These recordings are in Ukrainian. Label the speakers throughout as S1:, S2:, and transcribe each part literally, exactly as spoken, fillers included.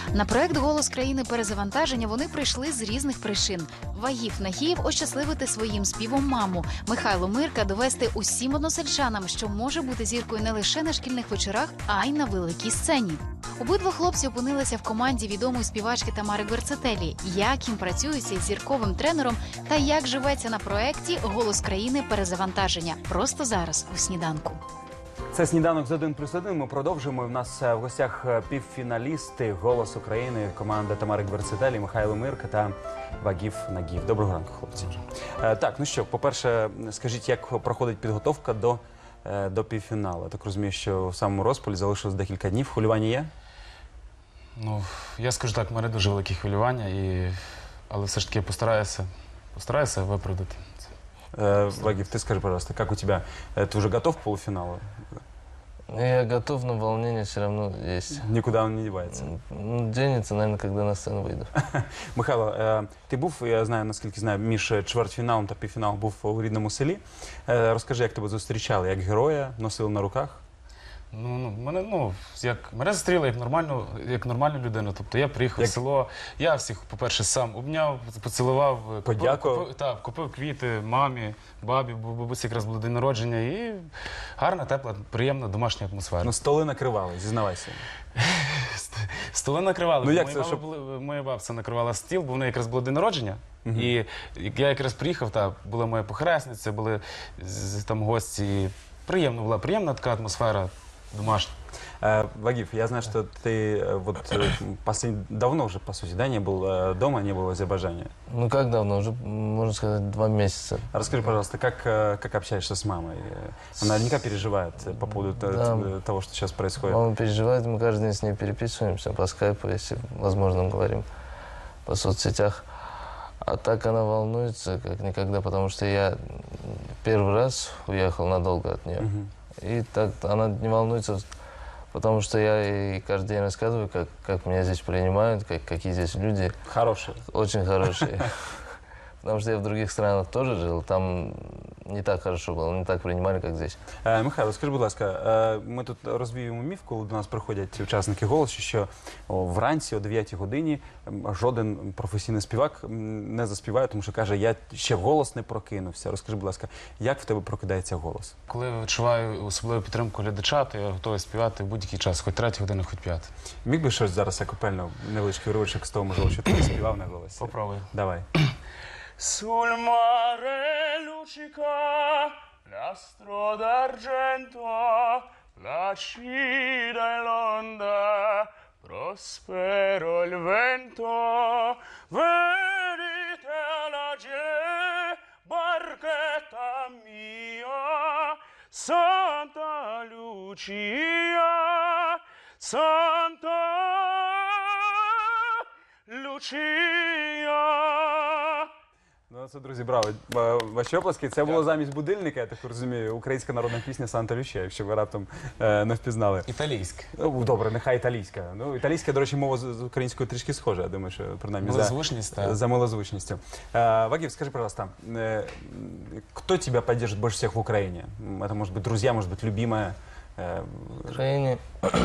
S1: На проект «Голос країни перезавантаження» вони прийшли з різних причин. Вагів Нагієв ощасливити своїм співом маму. Михайло Мирка довести усім односельчанам, що може бути зіркою не лише на шкільних вечорах, а й на великій сцені. Обидва хлопці опинилися в команді відомої співачки Тамари Гверцетелі. Як їм працюється із зірковим тренером та як живеться на проекті «Голос країни перезавантаження». Просто зараз у сніданку.
S2: Це «Сніданок з один плюс один». Ми продовжуємо. У нас в гостях півфіналісти «Голос України», команда Тамари Гверцетелі, Михайло Мирка та Вагів Нагієв. Доброго ранку, хлопці. Так, ну що, по-перше, скажіть, як проходить підготовка до, до півфіналу? Так розумію, що в самому розпалі залишилось декілька днів. Хвилювання є?
S3: Ну, я скажу так, в мене дуже великі хвилювання, і... але все ж таки я постараюся, постараюся виправдати.
S2: Вагив, ты скажи, пожалуйста, как у тебя? Ты уже готов к полуфиналу?
S4: Я готов, но волнение все равно есть.
S2: Никуда он не девается?
S4: Ну, денется, наверное, когда на сцену выйду.
S2: Михайло, ти був, я знаю, наскільки знаю, між чвертьфіналом та півфіналом був у рідному селі. Розкажи, як тебе зустрічали, як героя, носили на руках?
S3: Ну, ну, мене, ну, як, мене зустріли як нормальну, як нормальну людину. Тобто я приїхав як... в село, я всіх, по-перше, сам обняв, поцілував,
S2: подякував.
S3: Купив, так, купив квіти мамі, бабі, бо бабусі якраз було день народження, і гарна, тепла, приємна домашня атмосфера.
S2: Ну, столи накривали, зізнавайся.
S3: Столи накривали.
S2: Ну, як
S3: моя,
S2: це, щоб...
S3: були, моя бабця накривала стіл, бо в неї якраз було день народження. Uh-huh. І я якраз приїхав, та була моя похресниця, були там гості. І приємно була, приємна така атмосфера. Домашний.
S2: Вагив, я знаю, что ты вот послед... давно уже, по сути, да, не был дома, не был в Азербайджане.
S4: Ну как давно? Уже, можно сказать, два месяца.
S2: Расскажи, пожалуйста, как, как общаешься с мамой? Она наверняка переживает по поводу да. того, что сейчас происходит.
S4: Мама переживает, мы каждый день с ней переписываемся по скайпу, если возможно говорим, по соцсетях. А так она волнуется, как никогда, потому что я первый раз уехал надолго от нее. Uh-huh. И так она не волнуется, потому что я ей каждый день рассказываю, как, как меня здесь принимают, как, какие здесь люди.
S2: Хорошие.
S4: Очень хорошие. Потому что я в других странах тоже жил, там не так хорошо було, не так приймали, як здесь.
S2: Е, Михайло, скажи, будь ласка, ми тут розвіюємо міф, коли до нас приходять учасники «Голосу», що о, вранці о дев'ятій годині жоден професійний співак не заспіває, тому що каже, я ще голос не прокинувся. Розкажи, будь ласка, як в тебе прокидається голос?
S3: Коли я відчуваю особливу підтримку глядача, то я готовий співати в будь-який час, хоч третя година, хоч п'ята.
S2: Міг би щось зараз акапельно, невеличкий уривочок з того, можливо, що ти співав на голосі?
S3: Попробуй.
S2: Давай.
S5: Sul mare luccica l'astro d'argento, la cida e l'onda, prospero il vento, venite alla ge, barchetta mia, Santa Lucia, Santa Lucia.
S2: Ну, це, друзі, браво. Ваші оплески. Це було замість будильника, я так розумію, українська народна пісня «Санта Лючія», якщо ви раптом е, не впізнали.
S3: Італійська.
S2: Ну, добре, нехай італійська. Ну, італійська, до речі, мова з українською трішки схожа, я думаю, що, принаймні,
S3: Милозвучність,
S2: за, за милозвучністю. Е, Вагив, скажи, пожалуйста, э, кто тебя поддержит больше всех в Украине? Это, может быть, друзья, может быть, любимая? Э,
S4: в Украине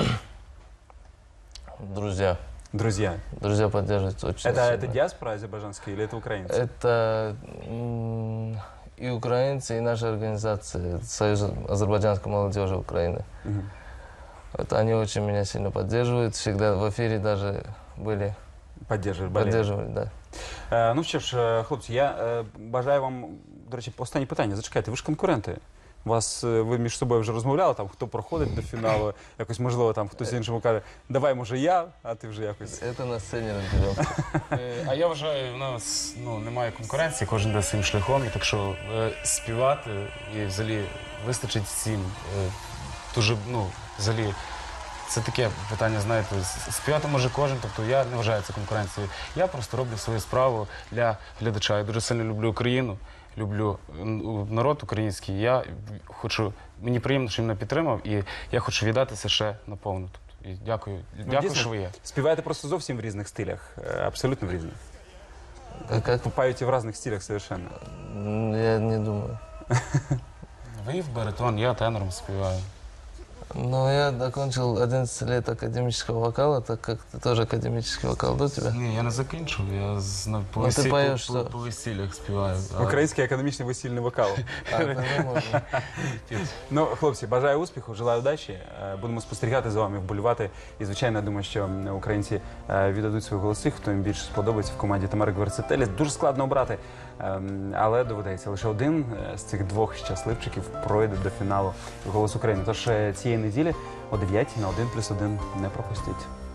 S4: друзья.
S2: Друзья.
S4: Друзья поддерживают очень
S2: это,
S4: сильно.
S2: это диаспора азербайджанская или это украинцы?
S4: Это и украинцы, и наша организация, Союз азербайджанской молодежи Украины.
S2: Угу.
S4: Это они очень меня сильно поддерживают. Всегда в эфире даже были.
S2: Поддерживали,
S4: Поддерживали, да.
S2: Е, ну що ж, хлопці, я е, бажаю вам, до речі, останнє питання. Зачекайте, ви ж конкуренти. Вас, ви між собою вже розмовляли, там, хто проходить до фіналу, якось, можливо, там хтось іншому каже, давай, може, я, а ти вже якось.
S4: Це на сцені розберемо.
S3: А я вважаю, у нас ну, немає конкуренції, кожен йде своїм шляхом, і так що е, співати і взагалі вистачить всім. Е, дуже, ну, взагалі, це таке питання, знаєте, співати може кожен, тобто я не вважаю це конкуренцією. Я просто роблю свою справу для глядача. Я дуже сильно люблю Україну. Люблю народ український, я хочу, мені приємно, що він мене підтримав, і я хочу віддатися ще наповну. Тобто, і дякую,
S2: ну,
S3: дякую,
S2: дійсно,
S3: що ви є.
S2: Співаєте просто зовсім в різних стилях, абсолютно в різних.
S4: Как?
S2: Поете в разных стилях совершенно.
S4: Я не думаю.
S3: Ви в баритон, я тенором співаю.
S4: Ну, я закончил одиннадцать лет академического вокала, так как ты тоже академический вокал, да, у тебя?
S3: Ні, я не закінчив, я з- на- по,
S4: Ну, ти
S3: весі-
S4: поєш,
S3: по, по,
S4: що?
S3: по весіллях співаю. А,
S2: Український академічний весільний вокал.
S4: А, тогда можно.
S2: Ну, хлопці, бажаю успіху, желаю удачі. Е, Будемо спостерігати за вами, вболівати. І, звичайно, я думаю, що м, українці е, віддадуть свої голоси, хто їм більше сподобається в команді Тамари Гверцетелі. Дуже складно обрати, ем, але доведеться. Лише один е, з цих двох щасливчиків пройде до фіналу «Голос України». Тож е, цієї неділі о дев'ятій на один плюс один не пропустіть.